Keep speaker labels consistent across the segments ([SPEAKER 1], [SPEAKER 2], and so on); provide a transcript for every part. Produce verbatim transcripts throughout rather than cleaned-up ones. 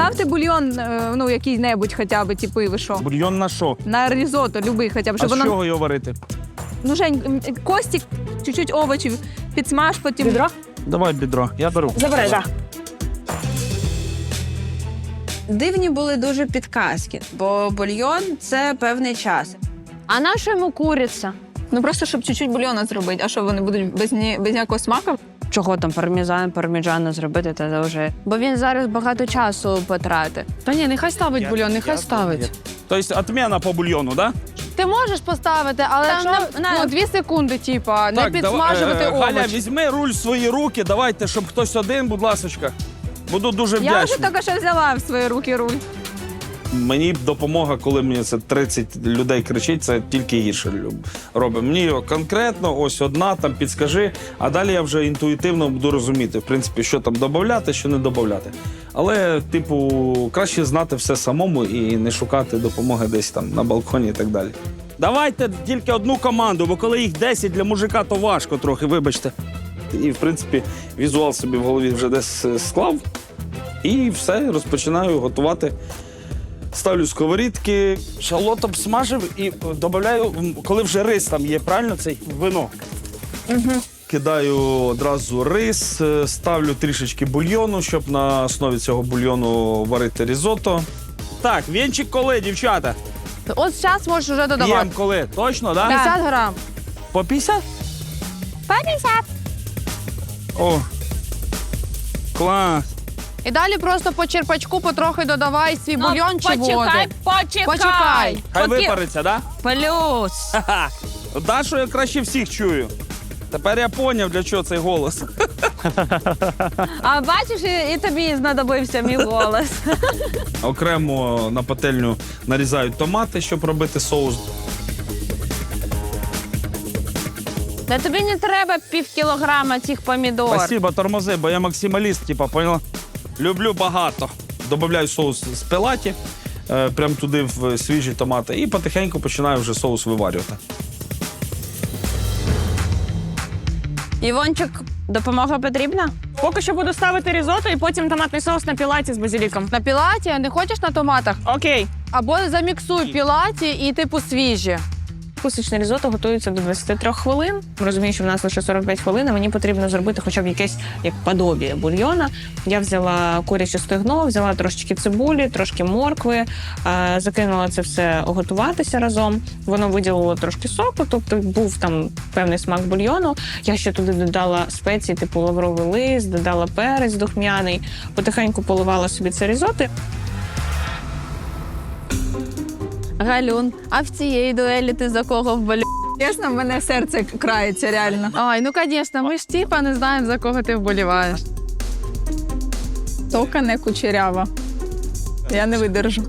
[SPEAKER 1] Поставте бульйон, е, ну, який-небудь хоча б, типу, і ви що?
[SPEAKER 2] Бульйон на що?
[SPEAKER 1] На ризотто, любий хоча б,
[SPEAKER 2] А
[SPEAKER 1] щоб
[SPEAKER 2] з
[SPEAKER 1] воно...
[SPEAKER 2] чого його варити?
[SPEAKER 1] Ну, Жень, костік, чуть-чуть овочів, підсмаж, потім...
[SPEAKER 3] Відро?
[SPEAKER 2] Давай бідро, я беру.
[SPEAKER 3] Забирай, так.
[SPEAKER 4] Дивні були дуже підказки, бо бульйон – це певний час.
[SPEAKER 5] А на що йому куриця?
[SPEAKER 1] Ну, просто, щоб чуть-чуть бульйона зробити. А що, вони будуть без, ні, без ніякого смаку?
[SPEAKER 5] Чого там пармезан, парміджано зробити, та вже. Бо він зараз багато часу потратить.
[SPEAKER 3] Та ні, нехай ставить бульйон, нехай ставить.
[SPEAKER 2] Тобто відміна по бульйону, так? Да?
[SPEAKER 5] Ти можеш поставити, але
[SPEAKER 3] Там
[SPEAKER 5] якщо...
[SPEAKER 3] на, ну, дві секунди, типа, не підсмажувати
[SPEAKER 2] давай, е, Галя,
[SPEAKER 3] овочі.
[SPEAKER 2] візьми руль в свої руки, давайте, щоб хтось один, будь ласочка. Буду дуже
[SPEAKER 1] Я вже
[SPEAKER 2] вдячний.
[SPEAKER 1] тільки що взяла в свої руки руль.
[SPEAKER 2] Мені допомога, коли мені це тридцять людей кричить, це тільки гірше робить. Мені конкретно ось одна, там підскажи, а далі я вже інтуїтивно буду розуміти, в принципі, що там додати, що не додати. Але, типу, краще знати все самому і не шукати допомоги десь там на балконі і так далі. Давайте тільки одну команду, бо коли їх десять, для мужика, то важко трохи, вибачте. І, в принципі, візуал собі в голові вже десь склав. І все, розпочинаю готувати. Ставлю сковорідки, шалот обсмажив і додаю, коли вже рис там є, правильно, цей вино. Угу. Кидаю одразу рис, ставлю трішечки бульйону, щоб на основі цього бульйону варити різотто. Так, вінчик коли, дівчата?
[SPEAKER 3] От зараз можеш вже додавати.
[SPEAKER 2] П'єм коли, точно, так? Да?
[SPEAKER 3] п'ятдесят грам.
[SPEAKER 2] По п'ятдесят?
[SPEAKER 1] По п'ятдесят.
[SPEAKER 2] О, клас.
[SPEAKER 3] І далі просто по черпачку потрохи додавай свій
[SPEAKER 1] Ну,
[SPEAKER 3] бульйон чи воду.
[SPEAKER 1] почекай, почекай.
[SPEAKER 3] Почекай.
[SPEAKER 2] Хай
[SPEAKER 1] Поки-
[SPEAKER 2] випариться, так? Да?
[SPEAKER 1] Плюс.
[SPEAKER 2] Ха-ха. Дашу я краще всіх чую. Тепер я поняв, для чого цей голос.
[SPEAKER 5] А бачиш, і, і тобі знадобився мій голос.
[SPEAKER 2] Окремо на пательню нарізають томати, щоб робити соус.
[SPEAKER 5] Та тобі не треба пів кілограма цих помідор.
[SPEAKER 2] Спасибо, тормози, бо я максималіст, типа, поняла? Люблю багато. Добавляю соус з пелаті, е, прямо туди в свіжі томати, і потихеньку починаю вже соус виварювати.
[SPEAKER 5] Івончик, допомога потрібна?
[SPEAKER 6] Поки що буду ставити різотто і потім томатний соус на пілаті з базиліком.
[SPEAKER 3] На пілаті, а не хочеш на томатах?
[SPEAKER 6] Окей.
[SPEAKER 3] Або заміксуй пілаті і типу свіжі.
[SPEAKER 6] Класичне різотто готується до двадцяти трьох хвилин. Розумію, що в нас лише сорок п'ять хвилин, а мені потрібно зробити хоча б якесь як подобіє бульйона. Я взяла куряче стегно, взяла трошечки цибулі, трошки моркви, е, закинула це все готуватися разом. Воно виділило трошки соку, тобто був там певний смак бульйону. Я ще туди додала спеції, типу лавровий лист, додала перець духмяний, потихеньку поливала собі це різотто.
[SPEAKER 5] Галюн, а в цієї дуелі ти за кого вболів?
[SPEAKER 1] Чесно, в мене серце крається реально.
[SPEAKER 3] Ай, ну звісно, ми ж типа не знаємо, за кого ти вболіваєш.
[SPEAKER 1] Тока не кучерява. Я не видержу.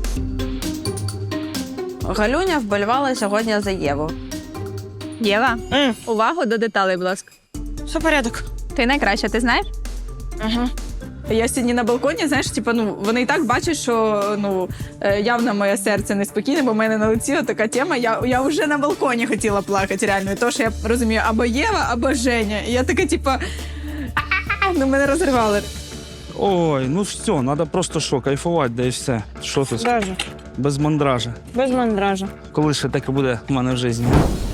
[SPEAKER 4] Галюня вболівала сьогодні за Єву.
[SPEAKER 1] Єва,
[SPEAKER 6] М.
[SPEAKER 1] увагу до деталей, будь ласка.
[SPEAKER 6] Все порядок.
[SPEAKER 1] Ти найкраща, ти знаєш?
[SPEAKER 6] Ага.
[SPEAKER 1] Я сьогодні на балконі, знаєш, типу, ну, вони і так бачать, що ну, е, явно моє серце неспокійне, бо в мене на лиці така тема. Я, я вже на балконі хотіла плакати, реально. І то, що я розумію, або Єва, або Женя. І я така, типу, «А-а-а!» ну, мене розривали.
[SPEAKER 2] Ой, ну все, треба просто що, кайфувати, да і все. Що тут?
[SPEAKER 6] Даже.
[SPEAKER 2] Без мандража.
[SPEAKER 6] Без мандража.
[SPEAKER 2] Коли ще таке буде в мене в житті?